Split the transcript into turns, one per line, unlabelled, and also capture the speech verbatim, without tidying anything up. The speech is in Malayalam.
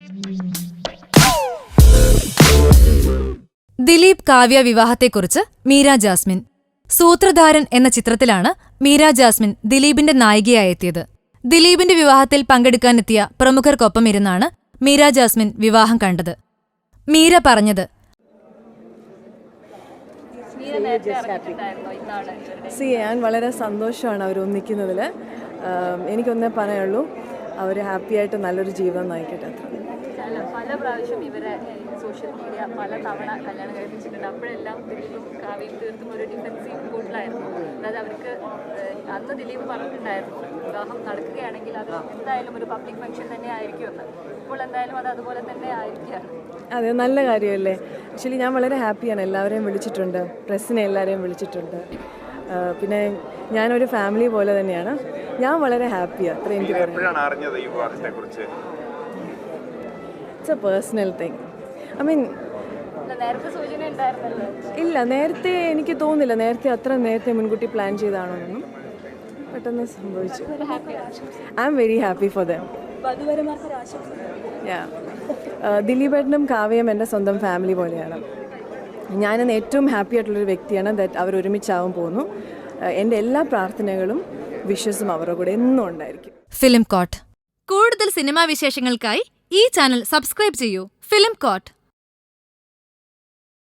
ദിലീപ് കാവ്യ വിവാഹത്തെക്കുറിച്ച് മീര ജാസ്മിൻ. സൂത്രധാരൻ എന്ന ചിത്രത്തിലാണ് മീര ജാസ്മിൻ ദിലീപിന്റെ നായികയായെത്തിയത്. ദിലീപിന്റെ വിവാഹത്തിൽ പങ്കെടുക്കാനെത്തിയ പ്രമുഖർക്കൊപ്പം ഇരുന്നാണ് മീര ജാസ്മിൻ വിവാഹം കണ്ടത്. മീര പറഞ്ഞത്,
സി ഞാൻ വളരെ സന്തോഷമാണ് അവർ ഒന്നിക്കുന്നതിൽ. എനിക്കൊന്നേ പറയുള്ളൂ, അവർ ഹാപ്പിയായിട്ട് നല്ലൊരു ജീവിതം നയിക്കട്ടെ. അത്ര
പല പ്രാവശ്യം ഇവരെ സോഷ്യൽ മീഡിയ പല തവണ കല്യാണം കഴിപ്പിച്ചിട്ടുണ്ട്. അപ്പോഴെല്ലാം ദിലീപും കാവ്യയും തീർത്തും ഒരു ഡിഫൻസീവ് മൂഡിലായിരുന്നു. അതായത് അവർക്ക് അന്ന് ദിലീപ് പറഞ്ഞിട്ടുണ്ടായിരുന്നു, വിവാഹം നടക്കുകയാണെങ്കിൽ അത് എന്തായാലും ഒരു പബ്ലിക് ഫംഗ്ഷൻ തന്നെ ആയിരിക്കുമെന്ന്. ഇപ്പോൾ എന്തായാലും അത് അതുപോലെ തന്നെ ആയിരിക്കുകയാണ്.
അതെ, നല്ല കാര്യമല്ലേ. ആക്ച്വലി ഞാൻ വളരെ ഹാപ്പിയാണ്. എല്ലാവരെയും വിളിച്ചിട്ടുണ്ട്, പ്രസ്സിനെ എല്ലാവരെയും വിളിച്ചിട്ടുണ്ട്. പിന്നെ ഞാനൊരു ഫാമിലി പോലെ തന്നെയാണ്. ഞാൻ വളരെ ഹാപ്പിയാണ്. അത്ര എനിക്ക് it's a personal thing. I mean ഇല്ല, നേരത്തെ എനിക്ക് തോന്നുന്നില്ല, നേരത്തെ അത്ര നേരത്തെ മുൻകൂട്ടി പ്ലാൻ ചെയ്താണോന്നൊന്നും. പെട്ടെന്ന് സംഭവിച്ചു. I'm very happy for them. Yeah, ദിലീപേട്ടനും കാവ്യയും എൻ്റെ സ്വന്തം ഫാമിലി പോലെയാണ്. ഞാനെന്ന് ഏറ്റവും ഹാപ്പി ആയിട്ടുള്ളൊരു വ്യക്തിയാണ് ദാറ്റ് അവർ ഒരുമിച്ചാവും പോകുന്നു. എൻ്റെ എല്ലാ പ്രാർത്ഥനകളും വിശ്വസും അവരുടെ കൂടെ എന്നും ഉണ്ടായിരിക്കും.
Film court. കൂടുതൽ സിനിമാ വിശേഷങ്ങൾക്കായി ഈ ചാനൽ സബ്സ്ക്രൈബ് ചെയ്യൂ. Film coat.